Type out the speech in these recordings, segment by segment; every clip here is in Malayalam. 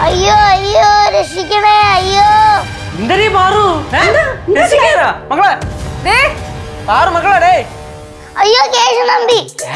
അയ്യോ അയ്യോ രക്ഷിക്കണേ അയ്യോ. എന്തരീ പാറു മക്കളെ മക്കളെ ഡേ. അയ്യോ കേശനമ്പി.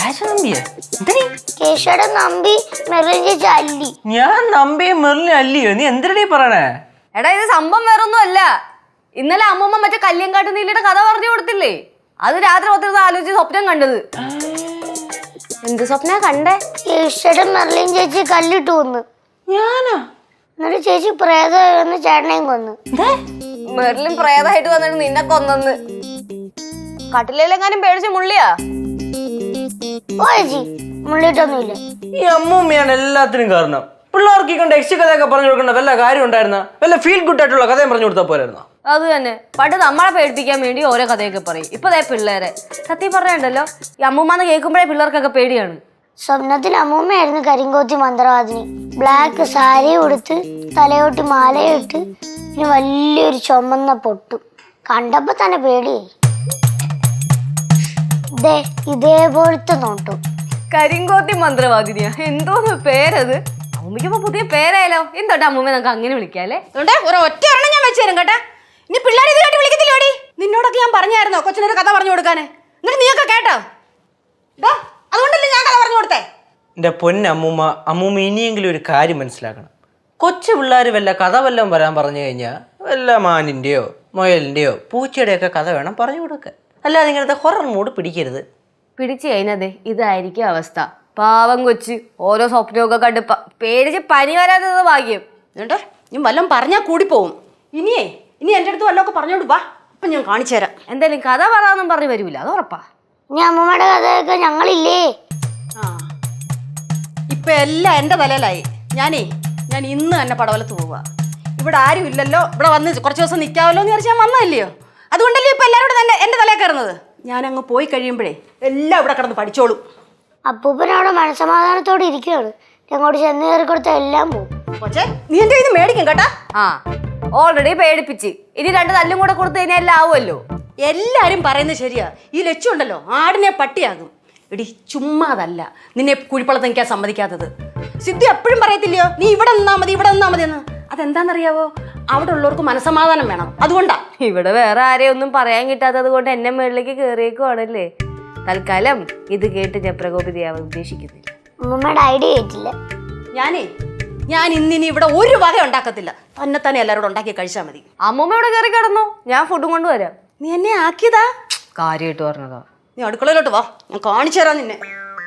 കേശയുടെ നമ്പി മെറിൻ ചേച്ചി അല്ലി. ഞാൻ നമ്പി മെറിൻ അല്ലിയോ? നീ എന്തിനീ പറയണേ? എടാ ഇത് സംഭവം വേറൊന്നും അല്ല. ഇന്നലെ അമ്മൂമ്മ മറ്റേ കല്യാങ്കാട്ട് നീലിയുടെ കഥ പറഞ്ഞു കൊടുത്തില്ലേ, അത് രാത്രി ഒത്തിരി ആലോചിച്ച് സ്വപ്നം കണ്ടത്. എന്ത് സ്വപ്ന കണ്ടേ? കേശയുടെ മെറിൻ ചേച്ചി കല്ലിട്ട് കൊന്നു. ഞാനാ? എന്നിട്ട് ചേച്ചി പ്രേതമെന്ന് ചേട്ടനെയും കൊന്നു. മെറിലും പ്രേതമായിട്ട് വന്നിട്ട് നിന്നെ കൊന്നെന്ന്. കട്ടിലെങ്ങാനും പേടിച്ച് മുള്ളിയാ? ഓ ചേച്ചി മുള്ളിട്ടൊന്നുമില്ല. ഈ അമ്മൂമ്മയാണ് എല്ലാത്തിനും കാരണം. പിള്ളേർക്ക് ഈ കണ്ട യക്ഷ കഥയൊക്കെ പറഞ്ഞു കൊടുക്കേണ്ട വല്ല കാര്യം ഉണ്ടായിരുന്ന? വല്ല ഫീൽ ഗുഡ് ആയിട്ടുള്ള കഥയും പറഞ്ഞു കൊടുത്താൽ പോരായിരുന്നോ? അത് തന്നെ, പണ്ട് നമ്മളെ പേടിപ്പിക്കാൻ വേണ്ടി ഓരോ കഥയൊക്കെ പറയും. ഇപ്പൊ പിള്ളേരെ സത്യം പറഞ്ഞുണ്ടല്ലോ, ഈ അമ്മൂമ്മന്ന് കേൾക്കുമ്പോഴേ പിള്ളേർക്കൊക്കെ പേടിയാണ്. സ്വപ്നത്തിൽ അമ്മൂമ്മയായിരുന്നു കരിങ്കോത്തി മന്ത്രവാദിനി. ബ്ലാക്ക് സാരി ഉടുത്ത് തലയോട്ടി മാലയിട്ട് പിന്നെ വലിയൊരു ചുമന്ന പൊട്ടും. കണ്ടപ്പോ തന്നെ പേടിയായി. ഇതേപോലത്തെ നോട്ടും. കരിങ്കോത്തി മന്ത്രവാദിനിയാ? എന്തോന്ന് പേരത്? അമ്മൂമ്മയ്ക്കിപ്പോ പുതിയ പേരായാലോ. എന്തോട്ടെ അമ്മൂമ്മ നമുക്ക് അങ്ങനെ വിളിക്കാല്ലേ? ഒറ്റ ഒരെണ്ണം ഞാൻ വെച്ചു തരും കേട്ടാ. ഇനി പിള്ളേർ ഇതിലായിട്ട് വിളിക്കത്തില്ലോടി. നിന്നോടൊക്കെ ഞാൻ പറഞ്ഞായിരുന്നോ കൊച്ചിനൊരു കഥ പറഞ്ഞു കൊടുക്കാന്? എന്നിട്ട് നീയൊക്കെ കേട്ടോ? അതുകൊണ്ടല്ലേ ഞാൻ കഥ പറഞ്ഞു കൊടുത്തേ. എന്റെ പൊന്നമ്മൂമ്മ, അമ്മൂമ്മ ഇനിയെങ്കിലും ഒരു കാര്യം മനസ്സിലാക്കണം. കൊച്ചു പിള്ളേർ വല്ല കഥ വല്ലതും വരാൻ പറഞ്ഞു കഴിഞ്ഞാൽ വല്ല മാനിന്റെയോ മുയലിന്റെയോ പൂച്ചയുടെയൊക്കെ കഥ വേണം പറഞ്ഞു കൊടുക്കാൻ. അല്ലാതെ ഇങ്ങനത്തെ ഹൊറർ മൂഡ് പിടിക്കരുത്. പിടിച്ചു കഴിഞ്ഞതേ ഇതായിരിക്കും അവസ്ഥ. പാവം കൊച്ച് ഓരോ സ്വപ്നമൊക്കെ കണ്ട് പേടിച്ച് പനി വരാത്തത് ഭാഗ്യം. എന്നിട്ടോ നീ വല്ലതും പറഞ്ഞാൽ കൂടി പോവും. ഇനി എൻ്റെ അടുത്ത് വല്ലതൊക്കെ പറഞ്ഞോണ്ട് വാ, അപ്പം ഞാൻ കാണിച്ചു തരാം. എന്തായാലും കഥ പറയാന്നും പറഞ്ഞു വരൂല, അത് ഉറപ്പാ. ഇനി അമ്മൂമ്മയുടെ കഥയൊക്കെ ഞങ്ങളില്ലേ? ഇപ്പൊ എല്ലാം എൻ്റെ തലയിലായി. ഞാൻ ഇന്ന് തന്നെ പടവലത്ത് പോവുക. ഇവിടെ ആരും ഇല്ലല്ലോ, ഇവിടെ വന്ന് കുറച്ച് ദിവസം നിൽക്കാമല്ലോ എന്ന് വിചാരിച്ച് ഞാൻ വന്നതല്ലയോ. അതുകൊണ്ടല്ലേ ഇപ്പൊ എല്ലാവരും തന്നെ എൻ്റെ തലയിൽ കയറുന്നത്. ഞാനങ്ങ് പോയി കഴിയുമ്പോഴേ എല്ലാം ഇവിടെ കിടന്ന് പഠിച്ചോളും. അപ്പൂപ്പനവിടെ മനസമാധാനത്തോടെ ഇരിക്കുകയാണ്. ഞങ്ങോട്ട് ചെന്ന് കയറി കൊടുത്ത എല്ലാം പോകും. കൊച്ചേ നീ എൻ്റെ ഇത് മേടിക്കും കേട്ടാ. ഓൾറെഡി പേടിപ്പിച്ച്, ഇനി 2 തല്ലും കൂടെ കൊടുത്തു കഴിഞ്ഞാൽ എല്ലാം ആവുമല്ലോ. എല്ലാരും പറയുന്നത് ശരിയാ. ഈ ലക്ഷ്യമുണ്ടല്ലോ ആടിനെ പട്ടിയാകും. എടി ചുമ്മാതല്ല നിന്നെ കുഴിപ്പള്ളത്ത് നിൽക്കാൻ സമ്മതിക്കാത്തത്. സിദ്ധു എപ്പോഴും പറയത്തില്ലയോ നീ ഇവിടെ നിന്നാ മതി എന്ന്. അതെന്താണെന്നറിയാവോ? അവിടെ ഉള്ളവർക്ക് മനസമാധാനം വേണം, അതുകൊണ്ടാ. ഇവിടെ വേറെ ആരെയും ഒന്നും പറയാൻ കിട്ടാത്തത് കൊണ്ട് എന്നെ മുകളിലേക്ക് കയറിയേക്കുവാണല്ലേ. തൽക്കാലം ഇത് കേട്ട് ഞാൻ പ്രകോപിതയാവാൻ ഉദ്ദേശിക്കുന്നില്ല. അമ്മൂമ്മയുടെ ഐഡിയ കേട്ടില്ല. ഞാൻ ഇന്നിനി ഇവിടെ ഒരു വക ഉണ്ടാക്കത്തില്ല. തന്നെ എല്ലാവരോടും ഉണ്ടാക്കി കഴിച്ചാൽ മതി. അമ്മൂമ്മ ഇവിടെ കയറി കിടന്നു, ഞാൻ ഫുഡും കൊണ്ടുവരാം. നീ എന്നെ ആക്കിയതാ? കാര്യമായിട്ട് പറഞ്ഞതാ. നീ അടുക്കളയിലോട്ട് വാ, ഞാൻ കാണിച്ചു തരാം നിന്നെ.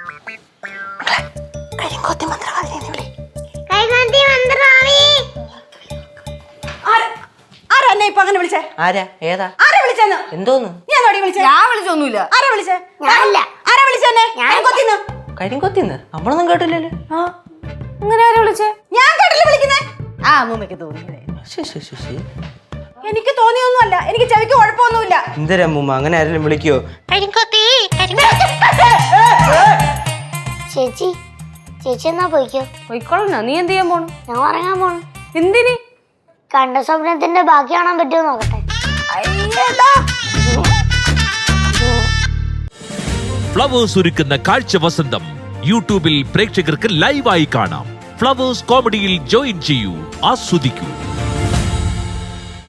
ആരാ എന്നെ ഇപ്പൊ അങ്ങനെ വിളിച്ചേ? ആരാ? ഏതാ? ആരാ വിളിച്ചെന്ന്? എന്തോന്ന്? ഞാൻ വിളിച്ചൊന്നുമില്ല. ആരാ വിളിച്ചേ? ആരാ വിളിച്ചെന്നെ? കരിങ്കൊത്തിന്ന് നമ്മളൊന്നും കേട്ടില്ലല്ലോ. അങ്ങനെ ആരാ വിളിച്ചേ? ഞാൻ കേട്ടില്ല വിളിക്കുന്നേ. അമ്മൂമ്മയ്ക്ക് തോന്നിയതേ. എനിക്ക് തോന്നിയൊന്നുമല്ല, എനിക്ക് ചെവിക്ക് കുഴപ്പമൊന്നുമില്ല. എന്തരമ്മൂമ്മ അങ്ങനെ ആരെങ്കിലും വിളിക്കോ? ചേച്ചി എന്നാ പോയിക്കോ. പോയിക്കോളാ. നീ എന്ത് ചെയ്യാൻ പോണു? ഞാൻ ഉറങ്ങാൻ പോണു. എന്തിന്? കണ്ട സ്വപ്നത്തിന്റെ ബാക്കി കാണാൻ പറ്റുമോ നോക്കട്ടെ. ഫ്ലവേഴ്സ് ഒരുക്കുന്ന കാഴ്ച വസന്തം യൂട്യൂബിൽ പ്രേക്ഷകർക്ക് ലൈവായി കാണാം. ഫ്ലവേഴ്സ് കോമഡിയിൽ ജോയിൻ ചെയ്യൂ, ആസ്വദിക്കൂ.